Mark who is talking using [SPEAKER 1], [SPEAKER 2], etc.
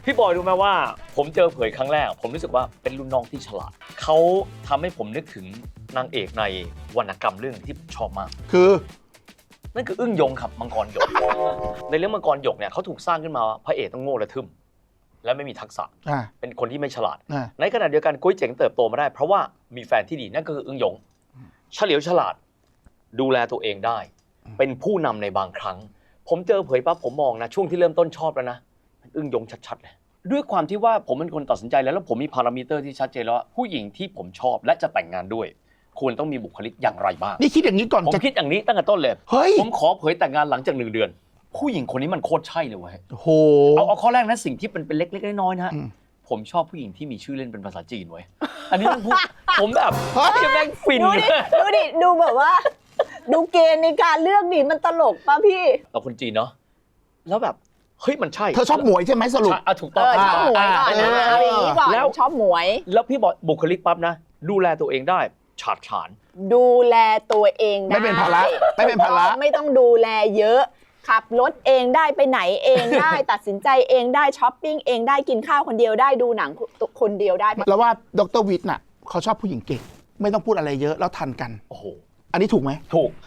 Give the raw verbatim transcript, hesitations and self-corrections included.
[SPEAKER 1] พี่บอยรู้ไหมว่าผมเจอเผยครั้งแรกผมรู้สึกว่าเป็นรุ่นน้องที่ฉลาดเขาทำให้ผมนึกถึงนางเอกในวรรณกรรมเรื่องที่ผมชอบมาก
[SPEAKER 2] คือ
[SPEAKER 1] นั่นคืออึ้งยงครับมังกรหยกในเรื่องมังกรหยกเนี่ยเขาถูกสร้างขึ้นมาพระเอกต้องโง่และทึ่มและไม่มีทักษะเป็นคนที่ไม่ฉลาดในขณะเดียวกันกุ้ยเจ๋งเติบโตมาได้เพราะว่ามีแฟนที่ดีนั่นก็คืออึ้งยงเฉลียวฉลาดดูแลตัวเองได้เป็นผู้นำในบางครั้งผมเจอเผยปั๊บผมมองนะช่วงที่เริ่มต้นชอบแล้วนะอึ้งยงชัดๆเลยด้วยความที่ว่าผมเป็นคนตัดสินใจแล้วแล้วผมมีพารามิเตอร์ที่ชัดเจนแล้วว่าผู้หญิงที่ผมชอบและจะแต่งงานด้วยควรต้องมีบุคลิกอย่างไรบ้าง
[SPEAKER 2] นี่คิดอย่างนี้ก่อน
[SPEAKER 1] ผมคิดอย่างนี้ตั้งแต่ต้นเลย
[SPEAKER 2] เฮ้ย
[SPEAKER 1] ผมขอเผยแต่งงานหลังจากหนึ่งเดือนผู้หญิงคนนี้มันโคตรใช่เลยเว้ย
[SPEAKER 2] โห
[SPEAKER 1] เอาเอาข้อแรกนะสิ่งที่เป็นเป็นเล็กๆน้อยๆนะผมชอบผู้หญิงที่มีชื่อเล่นเป็นภาษาจีนเว้ยอันนี้ต้องพูดผมแบบจะแม่งฟิน
[SPEAKER 3] ดูดิดูดิดูแบบว่าดูเกณฑ์ในการเลือกดิมันตลกป่ะพี่
[SPEAKER 1] เราคนจีนเนาะแล้วแบบเฮ้ยมันใช่
[SPEAKER 2] เธอชอบหมวยใช่ไหมสรุป
[SPEAKER 1] อ่ะถูกต้อง
[SPEAKER 3] ชอบหมวยก่อนเอาอย่างนี้ก่อนแล้วชอบหมวย
[SPEAKER 1] แล้วพี่บอกบุคลิกปั๊บนะดูแลตัวเองได้ฉาดฉาน
[SPEAKER 3] ดูแลตัวเองได้
[SPEAKER 2] ไม่เป็นภาระไม่เป็นภาระ
[SPEAKER 3] ไม่ต้องดูแลเยอะขับรถเองได้ไปไหนเองได้ ตัดสินใจเองได้ช้อปปิ้งเองได้กินข้าวคนเดียวได้ดูหนังคนเดียวได้
[SPEAKER 2] แล้วว่าดร.วิทย์น่ะเขาชอบผู้หญิงเก่งไม่ต้องพูดอะไรเยอะแล้วทันกัน
[SPEAKER 1] โอ้โห
[SPEAKER 2] อันนี้ถูกไหม
[SPEAKER 1] ถูก